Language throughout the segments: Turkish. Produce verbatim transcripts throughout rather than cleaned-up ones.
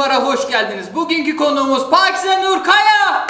Fuar'a hoş geldiniz. Bugünkü konuğumuz Pakize Nur Kaya.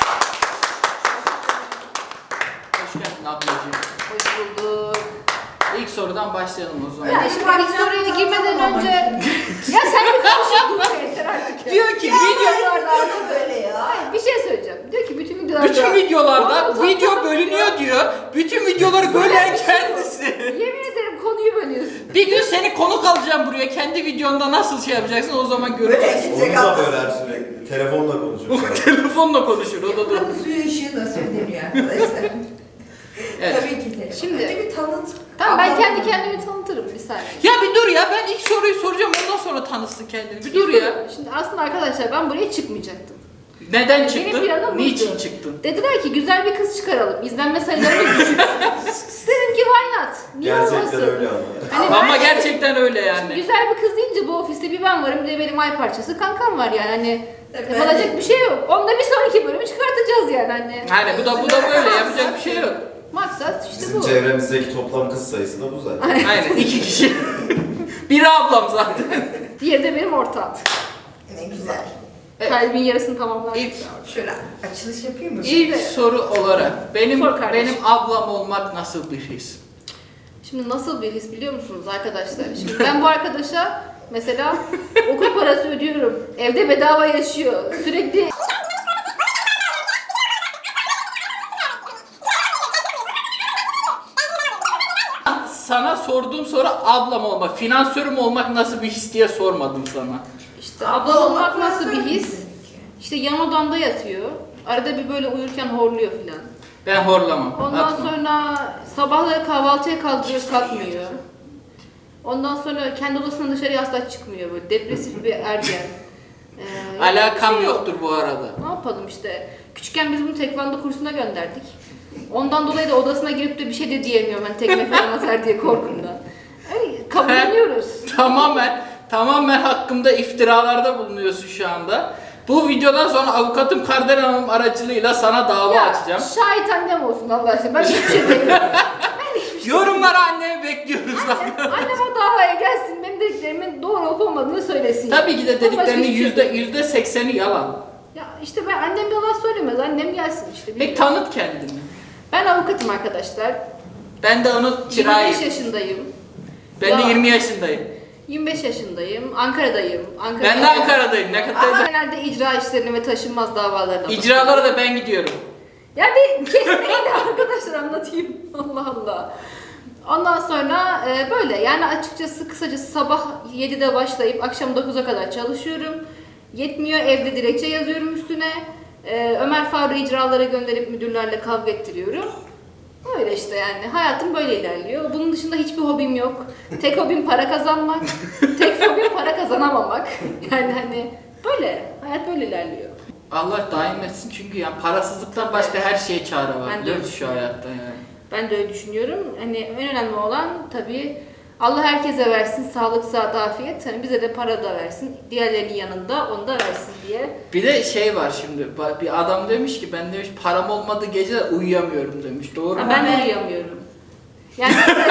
Hoş geldin ablacığım. Hoş bulduk. İlk sorudan başlayalım o zaman. Ya şimdi ilk soruya girmeden önce... ya sen bir konuşuyorsun yeter artık ya. Diyor ki video... Videolarda böyle ya. Bir şey söyleyeceğim. Diyor ki bütün videolarda... Bütün videolarda Oğlum, video zaten- bölünüyor diyor. Bütün videoları bölen kendisi. Yemin ederim konuyu bölüyorsun. Bir gün seni konuk alacağım buraya. Kendi videonda nasıl şey yapacaksın o zaman Böyle göreceğiz. kimse Onu da kalmasın. böler sürekli. Telefonla konuşuyor. Telefonla konuşur o da doğru. Buranın suyu ışığı nasıl ödeniyor arkadaşlar? Evet. Tabii ki telefon. Şimdi- Hadi bir tanıt. Tamam ben Ablam- kendi kendimi tanıtırım bir saniye. Ya bir dur ya, ben ilk soruyu soracağım, ondan sonra tanıtsın kendini. Bir dur ya. Şimdi aslında arkadaşlar ben buraya çıkmayacaktım. Neden Benim çıktın? planım Niçin buydu. çıktın? Dediler ki güzel bir kız çıkaralım. İzlenme sayılarımız düşük. Dedim ki why not? Niye Gerçekten olmasın? öyle ama. Hani Ama ben- gerçekten öyle yani. Güzel bir kız deyince bu ofiste bir ben varım, bir de benim ay parçası kankam var yani hani Tabii yapılacak ben- bir şey yok. Onda bir sonraki bölümü çıkartacağız yani hani. Hani bu da bu da böyle, yapacak bir şey yok. Maksat işte Bizim bu. çevremizdeki toplam kız sayısı da bu zaten. Aynen, iki kişi. Biri ablam zaten. Diğeri de benim ortağım. Ne güzel. Evet. Kalbin yarısını tamamlar. İlk, Şöyle açılış yapayım mı? ilk soru olarak benim Sor kardeşim. benim ablam olmak nasıl bir his? Şimdi nasıl bir his biliyor musunuz arkadaşlar? Şimdi ben bu arkadaşa mesela okul parası ödüyorum. Evde bedava yaşıyor. Sürekli Sana sorduğum soru ablam olmak, finansörüm olmak nasıl bir his diye sormadım sana. işte ablam olmak nasıl bir his? İşte yan odamda yatıyor. Arada bir böyle uyurken horluyor filan. Ben horlamam. Ondan atma. sonra sabahları kahvaltıya kaldırıyor, kalkmıyor. Ondan sonra kendi odasından dışarıya asla çıkmıyor böyle depresif bir ergen. Ee, Alakam bir şey yok. yoktur bu arada. Ne yapalım işte. Küçükken biz bunu tekvando kursuna gönderdik. Ondan dolayı da odasına girip de bir şey de diyemiyorum hani tekme falan atar diye korkumdan. Öyle kabulleniyoruz. Tamamen tamamen hakkımda iftiralarda bulunuyorsun şu anda. Bu videodan sonra avukatım Kardelen Hanım aracılığıyla sana dava Ya açacağım. şahit annem olsun Allah aşkına. Ben hiçbir şey demiyorum. Yorumlara annemi bekliyoruz zaten. Annem o davaya gelsin, benim dediklerimin doğru olup olmadığını söylesin. Tabii ki de Ben başka dediklerinin hiçbir şey yüzde demiyorum. yüzde sekseni yalan. Ya işte ben annem yalan söylemez, annem gelsin işte. Peki bilmiyorum. tanıt kendini. Ben avukatım arkadaşlar. Ben de onun yirmi beş çırağıyım. yaşındayım. Ben de Ya. yirmi yaşındayım. yirmi beş yaşındayım. Ankara'dayım. Ankara'da Ben de Ankara'dayım. Ne Ama kadar genelde icra işlerini ve taşınmaz davalarına İcralara da ben gidiyorum. Ya bir kesmeyin de arkadaşlar anlatayım. Allah Allah. Ondan sonra e, böyle yani açıkçası kısacası sabah yedide başlayıp akşam dokuza kadar çalışıyorum. Yetmiyor, evde dilekçe yazıyorum üstüne. E, Ömer Faruk'u icralara gönderip müdürlerle kavga ettiriyorum. Öyle işte yani hayatım böyle ilerliyor. Bunun dışında hiçbir hobim yok. Tek hobim para kazanmak. Tek hobim para kazanamamak. Yani hani böyle hayat böyle ilerliyor. Allah daim etsin çünkü yani parasızlıktan başka her şeye çare var. Ben de Biliyor musun öyle şu hayatta yani. Ben de öyle düşünüyorum. Hani en önemli olan tabii Allah herkese versin sağlık, sıhhat, afiyet. Hani bize de para da versin. Diğerlerinin yanında onu da versin diye. Bir de şey var şimdi, ba- bir adam demiş ki ben demiş param olmadığı gece uyuyamıyorum demiş. Doğru Ha, mu? ben de uyuyamıyorum. Yani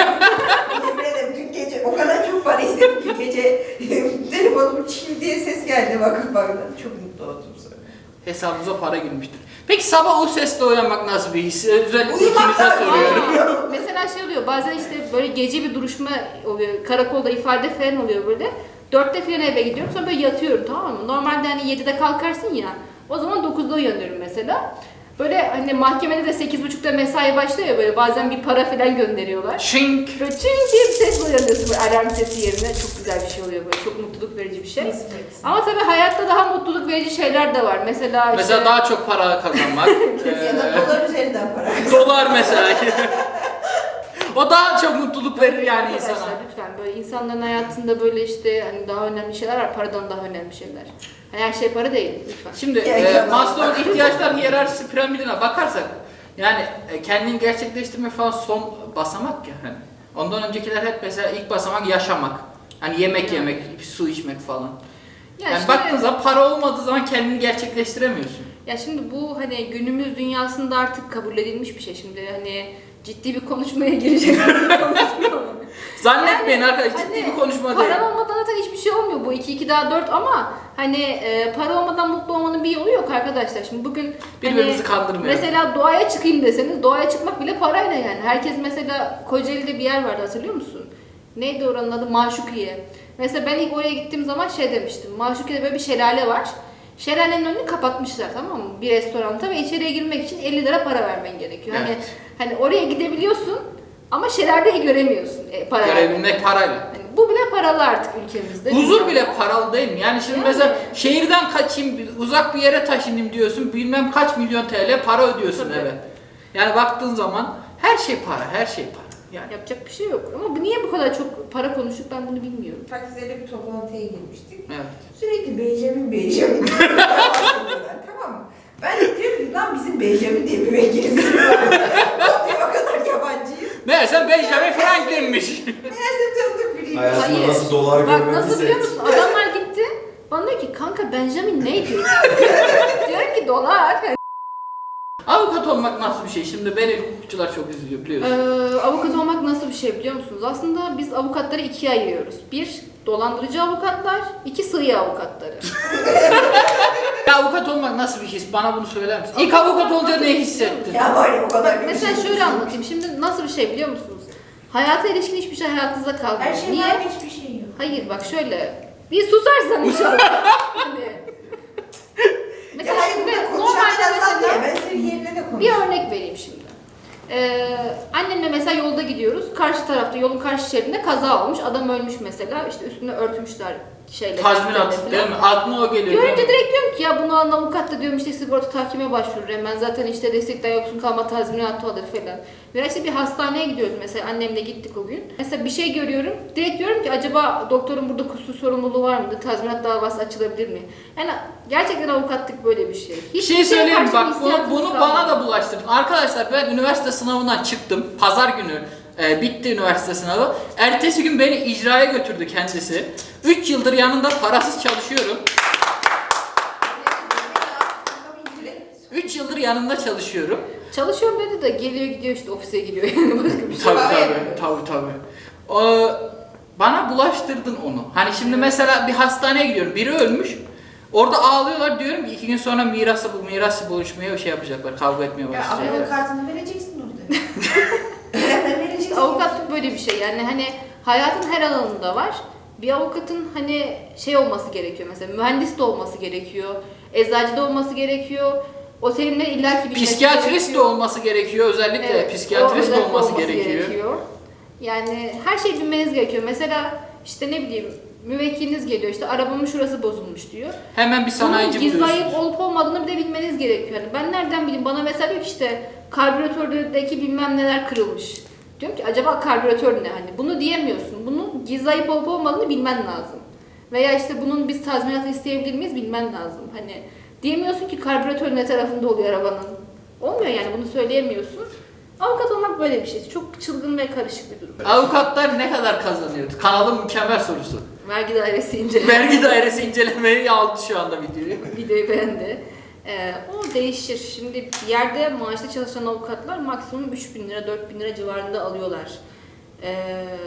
Yemin ederim dün gece o kadar çok para istedim ki gece telefonumun çiğ diye ses geldi bakıp bakıp çok mutlu oldum sonra. Hesabınıza para girmiştir. Peki sabah o sesle uyanmak nasıl bir his? Özellikle ikinize Uyumaktan soruyorum. Aa, mesela şey oluyor bazen işte böyle gece bir duruşma oluyor. Karakolda ifade falan oluyor böyle. Dörtte falan eve gidiyorum sonra böyle yatıyorum tamam mı? Normalde hani yedide kalkarsın ya. O zaman dokuzda uyanıyorum mesela. Böyle hani mahkemede de sekiz buçukta mesai başlıyor ya böyle bazen bir para falan gönderiyorlar. Şink. Böyle çing diye bir sesle uyanıyorsun böyle alarm sesi yerine. Çok güzel bir şey oluyor böyle. Çok mutluluk verici bir şey. Ama tabii hayatta daha mutluluk verici şeyler de var. Mesela işte... Mesela daha çok para kazanmak. Ya da Ee, dolar üzerinden para. dolar mesela. O daha çok mutluluk verir yani Arkadaşlar insana. lütfen böyle insanların hayatında böyle işte hani daha önemli şeyler var. Paradan daha önemli şeyler. Her şey para değil lütfen. Şimdi Ya, e, ya, Maslow'un bak. ihtiyaçlar hiyerarşisi piramidine bakarsak yani e, kendini gerçekleştirme falan son basamak ya hani. Ondan öncekiler hep mesela ilk basamak yaşamak. Hani yemek Ya. yemek, su içmek falan. Ya Yani şimdi- baktığın zaman para olmadığı zaman kendini gerçekleştiremiyorsun. Ya şimdi bu hani günümüz dünyasında artık kabul edilmiş bir şey. Şimdi hani ciddi bir konuşmaya girecek. Zannetmeyin Yani arkadaşlar ciddi hani bir konuşma değil. Paran olmadan zaten hiçbir şey olmuyor. Bu iki iki daha dört ama hani e, para olmadan mutlu olmanın bir yolu yok arkadaşlar. Şimdi bugün Birbirimizi hani, kandırmayalım. mesela doğaya çıkayım deseniz doğaya çıkmak bile parayla yani. Herkes mesela Kocaeli'de bir yer vardı hatırlıyor musun? Neydi oranın adı? Maşukiye. Mesela ben ilk oraya gittiğim zaman şey demiştim. Maşukiye'de böyle bir şelale var. Şelalenin önünü kapatmışlar tamam mı? Bir restoranta ve içeriye girmek için elli lira para vermen gerekiyor. Hani Evet. hani oraya gidebiliyorsun ama şelaleyi göremiyorsun. E, para Görebilmek parayla. yani bu bile paralı artık ülkemizde. Huzur bile paralı değil mi? Yani şimdi Yani. mesela şehirden kaçayım, uzak bir yere taşınayım diyorsun, bilmem kaç milyon T L para ödüyorsun Tabii. eve. Yani baktığın zaman her şey para, her şey para. Yani Yapacak bir şey yok. Ama bu niye bu kadar çok para konuştuk ben bunu bilmiyorum. Taksim'de bir toplantıya girmiştik. evet. Sürekli Benjamin Benjamin bahsediyorlar, tamam mı? Ben de diyorum ki lan bizim Benjamin diye bir vekilimiz var. Diye o kadar yabancıyım. Meğerse Benjamin Franklin'miş. Meğerse tanıdık biriyim. Hayatımda Hayır. nasıl dolar Bak nasıl biliyor görmediyse. musun? Adamlar gitti. Bana diyor ki kanka Benjamin neydi? Diyorum ki dolar. Avukat olmak nasıl bir şey? Şimdi beni hukukçular çok üzülüyor biliyorsun. Ee, avukat olmak nasıl bir şey biliyor musunuz? Aslında biz avukatları ikiye ayırıyoruz. Bir, dolandırıcı avukatlar. iki sığıya avukatları. Ya avukat olmak nasıl bir his? Bana bunu söyler misin? İlk avukat olunca ne hissettin? Ya var ya o kadar bir Mesela şey şöyle yok. anlatayım. Şimdi nasıl bir şey biliyor musunuz? Hayata ilişkin hiçbir şey hayatınızda kalmıyor. Her şey Niye? var hiçbir şey yok. Hayır bak şöyle. Bir susarsan inşallah. Hani. Mesela Ya hayır şimdi burada normalde konuşanlar azaldı ya, mesela ben senin yerine de bir konuşuyorum. örnek vereyim şimdi. Ee, annemle mesela yolda gidiyoruz. Karşı tarafta yolun karşı şeridinde kaza olmuş. Adam ölmüş mesela. İşte üstüne örtmüşler şeyle. Tazminat falan. değil mi? Aklına o geliyor. Görünce değil mi? direkt diyorum ki ya bunu alan avukat da diyorum işte sigorta tahkime başvurur hemen zaten işte destekten yoksun kalma tazminatı alır falan. Veya işte bir hastaneye gidiyoruz mesela annemle gittik o gün. Mesela bir şey görüyorum direkt diyorum ki acaba doktorun burada kusur sorumluluğu var mıdır? Tazminat davası açılabilir mi? Yani gerçekten avukatlık böyle bir şey. Bir Hiçbir şey söyleyeyim karşı bak bir bunu, hissiyatınız bunu kalmadı. bana da bulaştırdın. Arkadaşlar ben üniversite sınavından çıktım. Pazar günü e, bitti üniversite sınavı. Ertesi gün beni icraya götürdü kendisi. üç yıldır yanında parasız çalışıyorum. üç yıldır yanında çalışıyorum. Çalışıyorum dedi de geliyor gidiyor işte ofise gidiyor yani başka bir şey. Tabii Para tabii, yapıyor. tabii tabii. Ee, bana bulaştırdın onu. Hani şimdi mesela bir hastaneye gidiyorum, biri ölmüş. Orada ağlıyorlar diyorum ki iki gün sonra mirası bu mirası buluşmaya şey yapacaklar, kavga etmeye Ya başlayacaklar. avukat kartını vereceksin orada. Hemen vereceksin. İşte avukatlık böyle bir şey yani hani hayatın her alanında var. Bir avukatın hani şey olması gerekiyor mesela mühendis de olması gerekiyor, eczacı da olması gerekiyor, otelimde illaki bilmesi Psikiyatrist de gerekiyor. olması gerekiyor, özellikle Evet, psikiyatrist o de özellikle olması, gerekiyor. Yani her şeyi bilmeniz gerekiyor. Mesela işte ne bileyim müvekkiliniz geliyor işte arabamın şurası bozulmuş diyor. Hemen bir sanayici Bunun gizli ayıp buluyorsunuz. olup olmadığını bir de bilmeniz gerekiyor. Yani ben nereden bileyim? Bana mesela diyor ki işte karbüratördeki bilmem neler kırılmış. Diyorum ki acaba karbüratör ne? Hani bunu diyemiyorsun. Bunun gizli ayıp olup olmadığını bilmen lazım. Veya işte bunun biz tazminatı isteyebilir miyiz bilmen lazım. Hani diyemiyorsun ki karbüratör ne tarafında oluyor arabanın. Olmuyor yani bunu söyleyemiyorsun. Avukat olmak böyle bir şey. Çok çılgın ve karışık bir durum. Avukatlar ne kadar kazanıyor? Kanalın mükemmel sorusu. Vergi dairesi inceleme. Vergi dairesi incelemeyi aldı şu anda videoyu. Videoyu beğendi. Ee, o değişir. Şimdi bir yerde maaşlı çalışan avukatlar maksimum üç bin lira, dört bin lira civarında alıyorlar. Ee,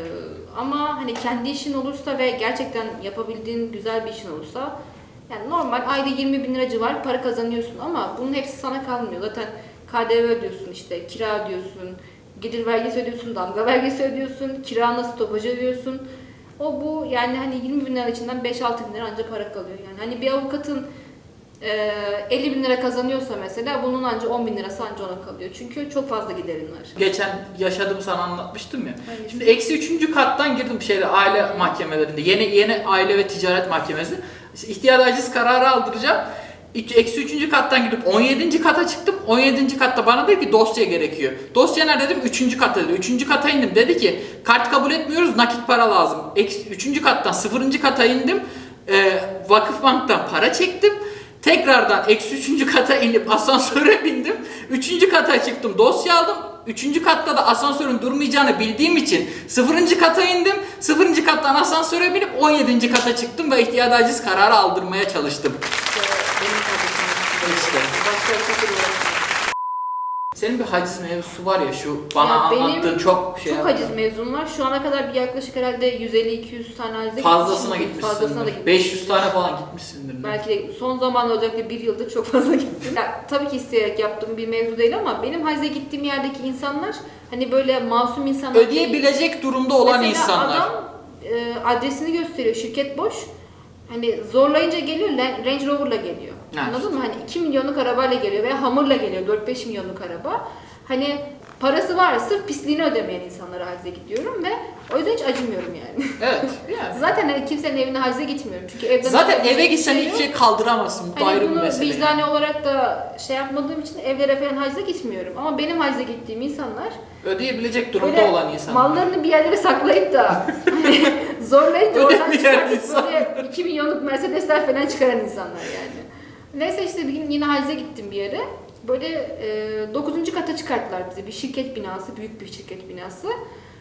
ama hani kendi işin olursa ve gerçekten yapabildiğin güzel bir işin olursa yani normal ayda yirmi bin lira civarı para kazanıyorsun ama bunun hepsi sana kalmıyor. Zaten K D V ödüyorsun işte, kira ödüyorsun, gelir vergisi ödüyorsun, damga vergisi ödüyorsun, kirana stopajı ödüyorsun. O bu yani hani yirmi bin lira içinden beş altı bin lira ancak para kalıyor. Yani hani bir avukatın e, elli bin lira kazanıyorsa mesela bunun ancak on bin lirası ancak ona kalıyor. Çünkü çok fazla giderin var. Geçen yaşadığım sana anlatmıştım ya. Hangisi? Şimdi eksi üçüncü kattan girdim şeyde aile mahkemelerinde. Yeni yeni aile ve ticaret mahkemesi. İşte ihtiyar aciz kararı aldıracağım. İki- Eksi üçüncü kattan gidip on yedinci kata çıktım. on yedinci katta bana dedi ki dosya gerekiyor. Dosya nerede dedim? üçüncü katta dedi. üçüncü kata indim. Dedi ki kart kabul etmiyoruz, nakit para lazım. Eksi, üçüncü kattan sıfırıncı kata indim. Ee, Vakıfbank'tan para çektim. Tekrardan eksi üçüncü kata inip asansöre bindim. Üçüncü kata çıktım, dosya aldım. Üçüncü katta da asansörün durmayacağını bildiğim için sıfırıncı kata indim. Sıfırıncı kattan asansöre binip on yedinci kata çıktım ve ihtiyar aciz kararı aldırmaya çalıştım. İşte benim kardeşim. İşte. Başka bir şey uğraşmıyor. Senin bir haciz mevzusu var ya, şu bana Ya benim anlattığın çok şey Çok yaptı. haciz mezun var. Şu ana kadar bir yaklaşık herhalde yüz elli iki yüz tane hacize Fazlasına gitmişimdir. Fazlasına da gitmişsindir. gitmişimdir. beş yüz tane falan gitmişsindir. Belki de son zamanlarda özellikle bir yıldır çok fazla gittim. Ya, tabii ki isteyerek yaptığım bir mevzu değil ama benim hacize gittiğim yerdeki insanlar hani böyle masum insanlar Ödeyebilecek durumda olan Mesela insanlar. adam e, adresini gösteriyor, şirket boş. Hani zorlayınca geliyor, Range Rover'la geliyor. Evet. Anladın mı? Hani iki milyonluk arabayla geliyor veya Hummer'la geliyor, dört beş milyonluk araba. Hani parası var, sırf pisliğini ödemeyen insanlara hacize gidiyorum ve o yüzden hiç acımıyorum yani. Evet. Yani. Zaten hani kimsenin evine hacize gitmiyorum. Çünkü evden Zaten ödeyecek eve bir gitsen şey hiçbir yok. şey kaldıramazsın. Bu da Hani ayrı bir bunu mesele. vicdani olarak da şey yapmadığım için evlere falan hacize gitmiyorum. Ama benim hacize gittiğim insanlar Ödeyebilecek durumda böyle olan insanlar. mallarını bir yerlere saklayıp da hani zorlayınca oradan Ödemeyen çıkartıp insan. böyle iki milyonluk Mercedesler falan çıkaran insanlar yani. Neyse işte bir gün yine hacize gittim bir yere. Böyle e, dokuzuncu kata çıkarttılar bizi. Bir şirket binası, büyük bir şirket binası.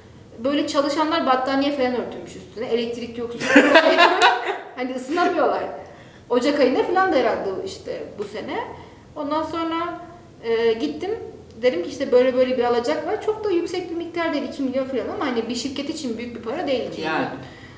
Böyle çalışanlar battaniye falan örtülmüş üstüne. Elektrik yok, su yok. Hani ısınamıyorlar. Ocak ayında falan da herhalde işte bu sene. Ondan sonra e, gittim. Dedim ki işte böyle böyle bir alacak var. Çok da yüksek bir miktar değil, iki milyon falan ama hani bir şirket için büyük bir para değil ki. Yani.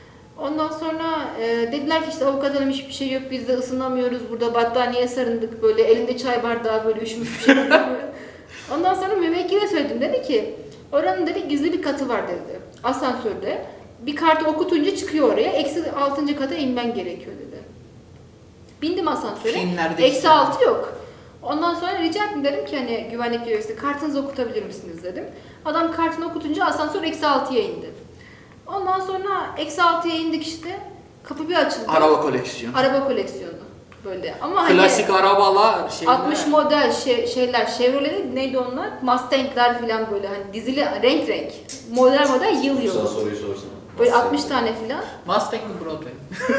Ondan sonra e, dediler ki işte avukat hanım hiçbir şey yok, biz de ısınamıyoruz, burada battaniye sarındık, böyle elinde çay bardağı böyle üşümüş bir şey yapıyoruz. Ondan sonra müvekkile söyledim, dedi ki oranın dedi gizli bir katı var dedi, asansörde. Bir kartı okutunca çıkıyor oraya, eksi altıncı kata inmen gerekiyor dedi. Bindim asansöre, Filmlerde eksi işte. altı yok. Ondan sonra rica ettim, dedim ki hani güvenlik görevlisi kartınızı okutabilir misiniz dedim. Adam kartını okutunca asansör eksi altıya indi. Ondan sonra eksi altıya indik işte. Kapı bir açıldı. Araba koleksiyonu. Araba koleksiyonu. Böyle ama hani Klasik arabalar, şeyler. altmış model şey, şeyler, Chevrolet neydi onlar? Mustang'ler falan böyle hani dizili renk renk. Model model yıl Sana yıl. soruyu sorsana. Böyle altmış tane falan. Mustang mi Broadway?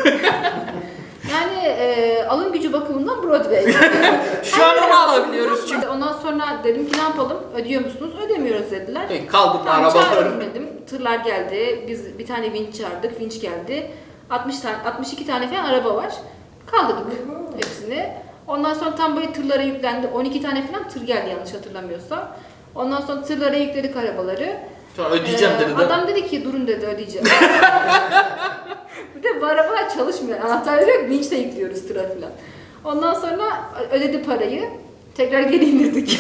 Yani e, alım gücü bakımından Broadway. Şu an onu alabiliyoruz çünkü. Ondan sonra dedim ki ne yapalım? Ödüyor musunuz? Ödemiyoruz dediler. Peki, kaldırma Tamam, arabaları. çağıralım dedim. Tırlar geldi. Biz bir tane vinç çağırdık. Vinç geldi. altmış tane, altmış iki tane falan araba var. Kaldırdık hepsini. Ondan sonra tam böyle tırlara yüklendi. on iki tane falan tır geldi yanlış hatırlamıyorsam. Ondan sonra tırlara yükledik arabaları. Sonra ödeyeceğim Ee, dedi de. Adam dedi ki durun dedi ödeyeceğim. Bir de bu arabalar çalışmıyor. Anahtarları yok. Vinçle yüklüyoruz tıra falan. Ondan sonra ödedi parayı. Tekrar geri indirdik.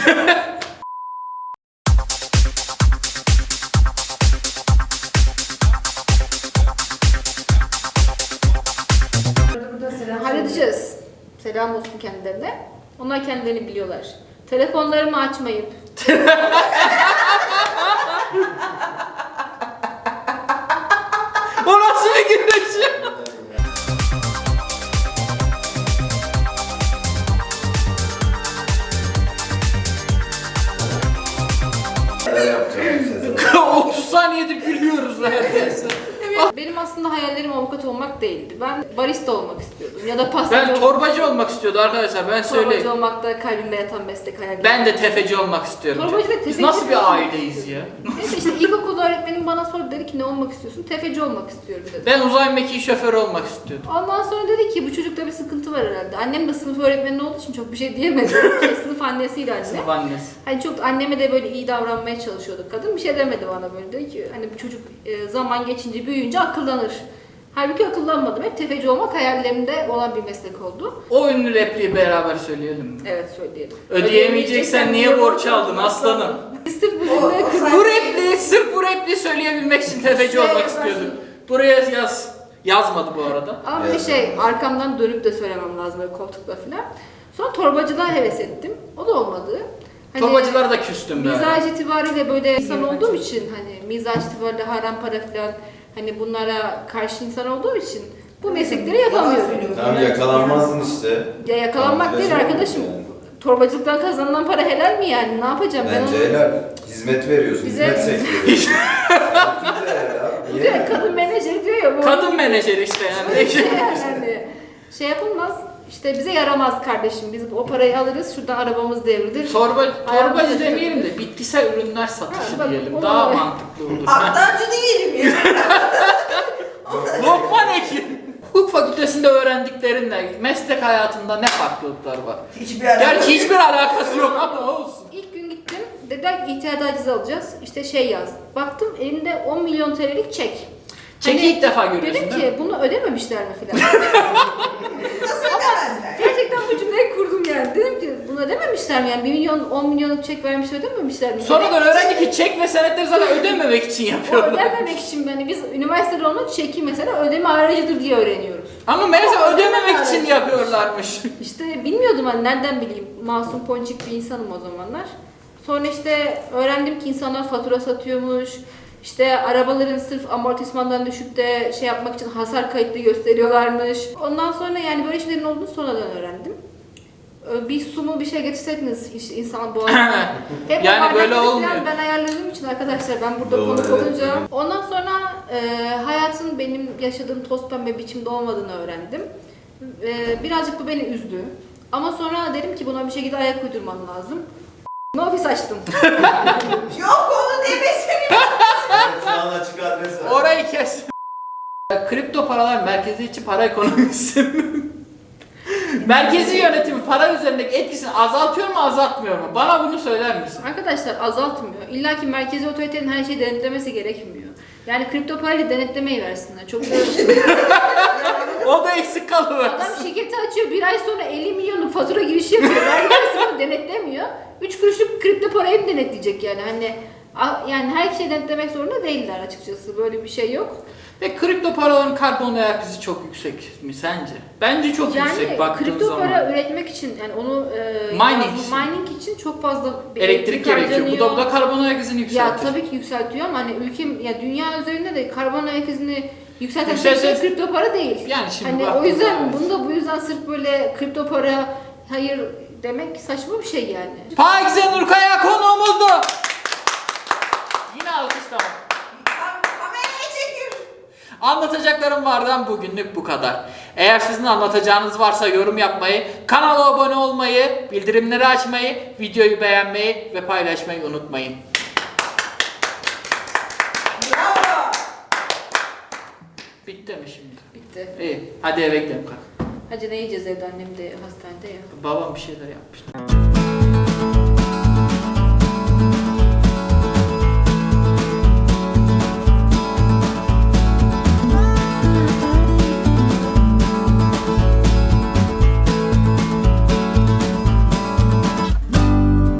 Burada selam. Halledeceğiz. Selam olsun kendilerine. Onlar kendilerini biliyorlar. Telefonlarımı açmayıp O nasıl bir güneş? Neler yapacağım Sezen? otuz saniyede gülüyoruz neredeyse. benim aslında hayallerim avukat olmak değildi. Ben barista olmak istiyordum ya da pastacı Ben olmak torbacı olmak istiyordu arkadaşlar, ben söyleyeyim. Torbacı olmak da kalbimde yatan meslek hayalim. Ben de tefeci olmak istiyorum. Torbacı ve Biz tefeci nasıl bir falan. aileyiz ya? Neyse işte ilkokul öğretmenim bana sordu, dedi ki ne olmak istiyorsun? Tefeci olmak istiyorum dedi. Ben uzay mekiği şoförü olmak istiyordum. Ondan sonra dedi ki bu çocukta bir sıkıntı var herhalde. Annem de sınıf öğretmeni olduğu için çok bir şey diyemedi. Şey, sınıf annesiyle anne. Sınıf annesi. Hani çok anneme de böyle iyi davranmaya çalışıyordu kadın. Bir şey demedi bana böyle. Dedi ki hani bu çocuk e, zaman geçince büyüyünce akıllanır. Halbuki akıllanmadım. Hep tefeci olmak hayallerimde olan bir meslek oldu. O ünlü repliği beraber söyleyelim mi? Evet söyleyelim. Ödeyemeyeceksen niye borç aldın aslanım? Sırf bu O- cümle o kız- Bu repliği, sırf bu repliği söyleyebilmek için tefeci Şey olmak yaparsın. istiyordum. Buraya yaz. Yazmadı bu arada. Ama bir de şey arkamdan dönüp de söylemem lazım böyle koltukla falan. Sonra torbacılığa heves ettim. O da olmadı. Hani Torbacılara da küstüm böyle. mizaç itibariyle böyle insan olduğum için hani mizaç itibariyle haram para falan hani bunlara karşı insan olduğum için bu meslekleri yapamıyorum. Tamam yakalanmazdın işte. Ya yakalanmak değil Tamam, arkadaşım. yani. Torbacılıktan kazanılan para helal mi yani? Ne yapacağım ben Bence onu? helal. Hizmet veriyorsun. Bize- Hizmet sektörü. Çok güzel ya. Bu Niye? direkt kadın menajer diyor ya bu. Kadın menajeri işte yani. Böyle şey yani. Şey yapılmaz. İşte bize yaramaz kardeşim. Biz o parayı alırız. Şuradan arabamız devrilir. Torba, Ayağımıza torbacı çekelim. demeyelim de bitkisel ürünler satışı Ha, bak, diyelim. o Daha da- mantıklı olur. Aktancı değilim ya. Lokman Ekin. Hukuk fakültesinde öğrendiklerinle meslek hayatında ne farklılıklar var? Hiçbir alakası Gerçi hiçbir alakası yok ama olsun. İlk gün gittim. dediler ki ihtiyat acizi alacağız. İşte şey yaz. Baktım elimde on milyon T L'lik çek. Çeki Hani ilk defa görüyorsun dedim değil ki mi? bunu ödememişler mi filan. Nasıl ödemezler? Gerçekten bu cümleyi kurdum yani. Dedim ki bunu ödememişler mi? Yani bir milyon, on milyonluk çek vermiş ödememişler mi? Sonradan öğrendik ki çek ve senetleri zaten ödememek için O yapıyorlar. ödememek için yani biz üniversitede onu çeki mesela ödeme aracıdır diye öğreniyoruz. Ama meğerse Ama ödememek için ödeme yapıyorlarmış. İşte bilmiyordum hani nereden bileyim. Masum ponçik bir insanım o zamanlar. Sonra işte öğrendim ki insanlar fatura satıyormuş. İşte arabaların sırf amortismandan düşüp de şey yapmak için hasar kayıtlı gösteriyorlarmış. Ondan sonra yani böyle şeylerin olduğunu sonradan öğrendim. Ee, Bir su mu bir şey getirseydiniz işte insan boğazına. Hep Yani o böyle bardakları falan olmuyor. Ben ayarladığım için arkadaşlar ben burada Doğru, konuk evet, olunca. evet. Ondan sonra e, hayatın benim yaşadığım toz pembe biçimde olmadığını öğrendim. E, birazcık bu beni üzdü. Ama sonra dedim ki buna bir şekilde ayak uydurmam lazım. Ofis açtım. Yok onu demesin. Evet, şu an açık adres var. Orayı kes. Kripto paralar merkeziyetçi para ekonomisi. Merkezi yönetimi para üzerindeki etkisini azaltıyor mu azaltmıyor mu? Bana bunu söyler misin? Arkadaşlar azaltmıyor. İlla ki merkezi otoritenin her şeyi denetlemesi gerekmiyor. Yani kripto parayla denetlemeyi versinler. Çok güzel bir şey. O da eksik kalıyor. Adam şirketi açıyor, bir ay sonra elli milyonluk fatura girişi yapıyor. Vergi dairesi bunu denetlemiyor. üç kuruşluk kripto parayı mı denetleyecek yani? Hani a- yani her şeyi denetlemek zorunda değiller açıkçası. Böyle bir şey yok. Ve kripto paraların karbon ayak izi çok yüksek mi sence? Bence çok yüksek Yani baktığın kripto zaman. para üretmek için yani onu e, Mining yani için. mining için çok fazla bir Elektrik gerekiyor. Bu da, bu da karbon ayak izini Ya yükseltir. tabii ki yükseltiyor ama hani ülkem ya dünya üzerinde de karbon ayak izini yükselten Yükselten- tek şey kripto para değil. Yani şimdi Hani o baktığın yüzden zaman- bunu da bu yüzden sırf böyle kripto para hayır demek saçma bir şey yani. Pakize Nurkaya konuğumuzdu. Yine alkışlama. Kam- Kameraya çekiyor. Anlatacaklarım vardan bugünlük bu kadar. Eğer sizin anlatacağınız varsa yorum yapmayı, kanala abone olmayı, bildirimleri açmayı, videoyu beğenmeyi ve paylaşmayı unutmayın. Bravo. Bitti mi şimdi? Bitti. İyi. Hadi eve gidelim. Hadi ne yiyeceğiz evde, annem de hastanede ya. Babam bir şeyler yapmış.